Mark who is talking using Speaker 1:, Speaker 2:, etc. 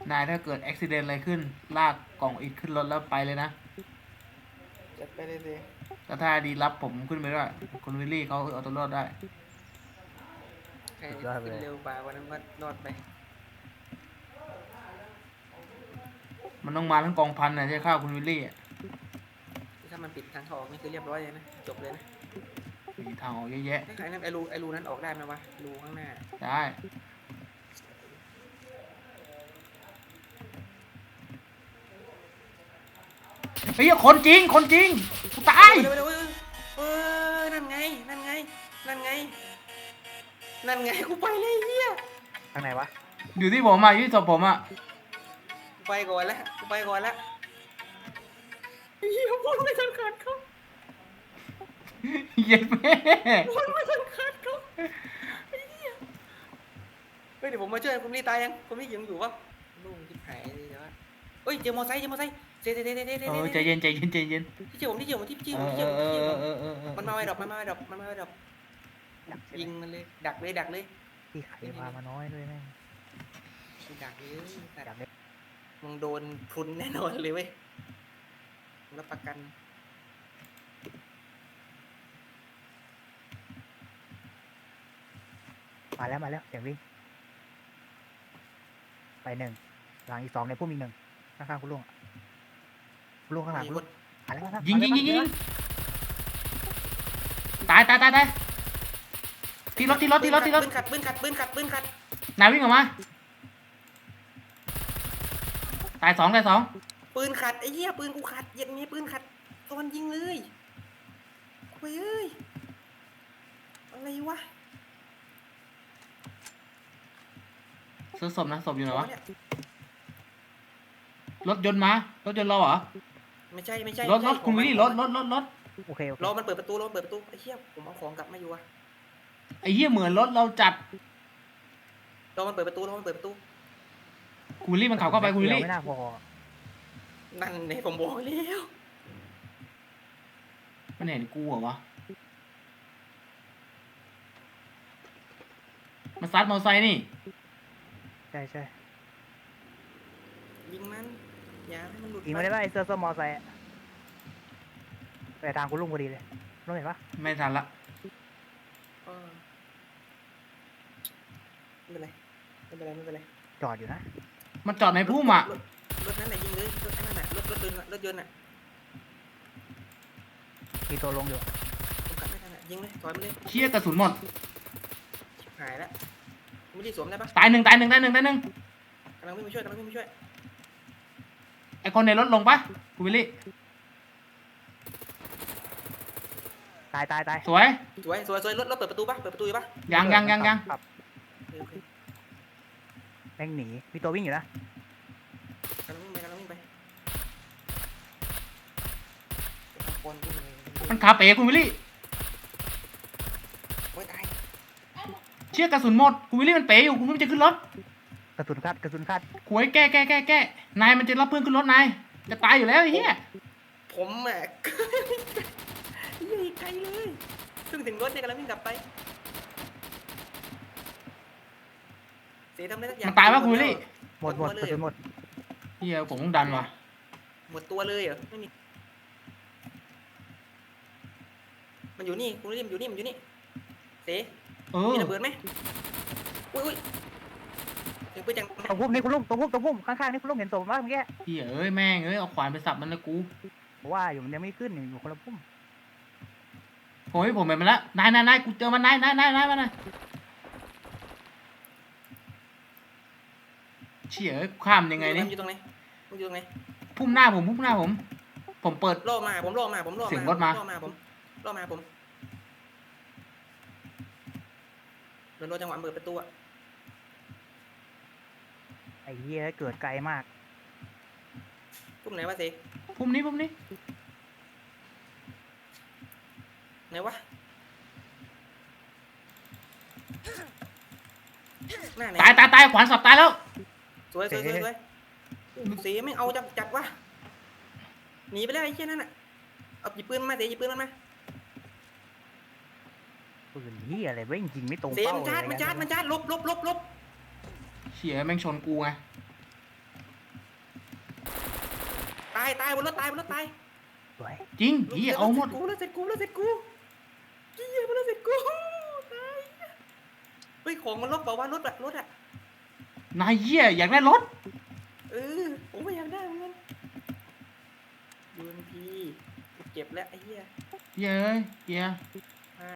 Speaker 1: นายถ้าเกิดอุบิเหตุอะไรขึ้นลากกล่องอิฐขึ้นรถแล้วไปเลยนะ
Speaker 2: จัดไปเลยสิ
Speaker 1: แต่ถ้าดีรับผมขึ้นไปด้วยคุณวิลลี่เขาเอาตัวรอดได้
Speaker 2: ใครขึ้นเร็วกว่าวันนั้นก็รอดไป
Speaker 1: มันต้องมาทั้งกองพันนะที่ฆ่าคุณวิลลี่
Speaker 2: ถ้ามันปิดทางออกนี่คือเรียบร้อยเลยนะจบเลยนะ
Speaker 1: มีทางออกเยอะแยะ
Speaker 2: ใครนั้นไอ้รูนั้นออกได้ไหมวะรูข้างหน้า
Speaker 1: ได้เฮ้ยคนจริงคนจริงกูตาย
Speaker 2: นั่นไงนั่นไงนั่นไงนั่นไงกูไปเลยเฮีย
Speaker 3: ทางไหนวะ
Speaker 1: อยู่ที่ผมอ่ะอยู่ที่ศพผมอ่ะ
Speaker 2: กูไปก่อนแล้วกูไปก่อนแล้วเฮียพูดไม่ทันขาดเขา
Speaker 1: เย็นแม่
Speaker 2: พูดไม่ทันขาดเขาเฮียเฮ้ยเดี๋ยวผมมาช่วยคุณนี่ตายยังคุณนี่ยังอยู่ปะลุงที่หายเลยแต่ว่าเฮ้ยเจอมอไซค์เจ๊
Speaker 1: ใจเย็นใจเย็นใจเย็น
Speaker 2: ที่เจอผมมันมาไว้ดอกยิงมันเลยดักเลย
Speaker 3: ที่ไข่พามาน้อยด้วยแม่ง
Speaker 2: ดักเลยดักเลยมึงโดนพรุนแน่นอนเลยเว้ยรับประกัน
Speaker 3: มาแล้วเสียงวิ่งไปหนึ่งหลังอีก2ในพุ่มอีก1ข้างๆคุณลุงข้างหลังคุณลุง
Speaker 1: ยิงตายที่รถ
Speaker 2: ปืนขัด
Speaker 1: นายวิ่งออกมาตายสอง
Speaker 2: ปืนขัดไอ้เหี้ยปืนกูขัดเย็นนี้ปืนขัดตอนยิงเลยเฮ้ยอะไรวะ
Speaker 1: ซื้อศพนะศพอยู่ไหนวะรถยนต์เราเหรอ
Speaker 2: ไม่ใช่
Speaker 1: รถคุณวิลลี่รถ
Speaker 3: โอเค
Speaker 2: รอมันเปิดประตูไอ้เหี้ยผมเอาของกลับมาอยู่อะ
Speaker 1: ไอ้เหี้ยเหมือนรถเราจัด
Speaker 2: รอมันเปิดประตู
Speaker 1: คุณวิลลี่มันขับเข้าไปคุณวิลลี่
Speaker 3: ไม่น่าพอ
Speaker 2: นั่นเนี่ยผมบอกแล้ว
Speaker 1: มันเห็นกูเหรอวะมันซัดมอเตอร์ไซค์นี่
Speaker 3: ใช่
Speaker 2: ยิงมันอย่าให้มันหลุด
Speaker 3: ยิงไม่ได้ป่ะไอ้เสื้อมอไซค์ไปทางคุณลุงพอดีเลยลุงเห็นปะ
Speaker 1: ไม่ทันละ
Speaker 2: ไม่เป็นไร
Speaker 3: จอดอยู่นะ
Speaker 1: มันจอดในพุ่มอ่ะ
Speaker 2: รถนั่นแหละยิงเลยรถนั่นแหละรถยนต์อ่ะ
Speaker 3: มีตัวลงอยู่
Speaker 2: ผมกลับไม่ทันอ่ะยิงเลยถอยไปเลย
Speaker 1: เชี่ยกระสุนหมด
Speaker 2: หายแล้วไม่ได้สวมได้ปะ
Speaker 1: ตายหนึ่งกำลัง
Speaker 2: วิ่งมาช่วย
Speaker 1: ไอคนในรถลงปะคุณวิลลี่
Speaker 3: ตาย
Speaker 1: สวย
Speaker 2: รถเปิดประตูอยู่ปะ
Speaker 1: ยัง
Speaker 3: แม่งหนีมีตัววิ่งอยู่นะ
Speaker 2: กำลังวิ่งไป
Speaker 1: มันขับเป๋คุณวิลลี่
Speaker 2: โอ้ยตาย
Speaker 1: เชี่ยกระสุนหมดคุณวิลลี่มันเป๋อยู่คุณไม่จะขึ้นรถ
Speaker 3: กระสุนคาด
Speaker 1: หวยแก้นายมันจะรับเพื่อนขึ้นรถนายจะตายอยู่แล้วไอ้เหี้ย
Speaker 2: ผมแหมยิ่งไกลเลยถึงรถเนี่ยกำลังวิ่งกลับไปเสียทำได้สักอย่าง
Speaker 1: มันตายป่ะคุณวิลลี่
Speaker 3: หมดกระสุนหมด
Speaker 1: เหี้ยผมต้องดันว่ะ
Speaker 2: หมดตัวเลยเหรอไม่มีมันอยู่นี่คุณวิลลี่มันอยู่นี่เสียมีระเบิดไหมอุ้ยถึงไปจัง
Speaker 3: ตรงพุ่มนี่คุณลุงตรงพุ่มข้างๆนี่คุณลุงเห็นศพมั้ยเมื่อกี้
Speaker 1: เหี้ยแม่งเอาขวานไปสับมันเลยกู
Speaker 3: ว่าอยู่มันยังไม่ขึ้นอยู่คนละพุ่ม
Speaker 1: โอ้ยผมเห็นมันแล้วนายกูเจอมันนายมาหน่อยเชี่ยข้ามยังไงนี่
Speaker 2: อยู่ตรงไหน
Speaker 1: พุ่มหน้าผมผมเปิด
Speaker 2: ล่อมา
Speaker 1: เสียงรถมา
Speaker 2: ผมโดนจังหวะเปิดประตูอะ
Speaker 3: ไอ้เหี้ยเกิดไกลมาก
Speaker 2: พุ่มไหนวะสิ
Speaker 1: พุ่มนี้
Speaker 2: ไหนวะ
Speaker 1: ตายขวานสับตายแล้ว
Speaker 2: สวยสีไม่เอาจัดวะหนีไปแล้วไอ้เชี่ยนั่นน่ะเอาหยิบปืนมาเสียหยิบปืนมันมา
Speaker 3: ปืนเหี้ยอะไรเว้ยจริงไม่ตรง
Speaker 2: เสีย
Speaker 3: เป้า
Speaker 2: มันชาร์จลบ
Speaker 1: เชี่ยแม่งชนกูไง
Speaker 2: ตายบนรถตาย
Speaker 3: สวย
Speaker 1: จริงเฮียเอาหมด
Speaker 2: กูแล้วเสร็จกูเฮียมันแล้วเสร็จกูตายเฮ้ยของมันลบเปล่าวะรถอะ
Speaker 1: นายเฮียอยากได้รถ
Speaker 2: ผมไม่อยากได้เหมือนกันดูพีเจ็บแล้วไอ้เหี้ย
Speaker 1: เฮียเอ้ยเฮีย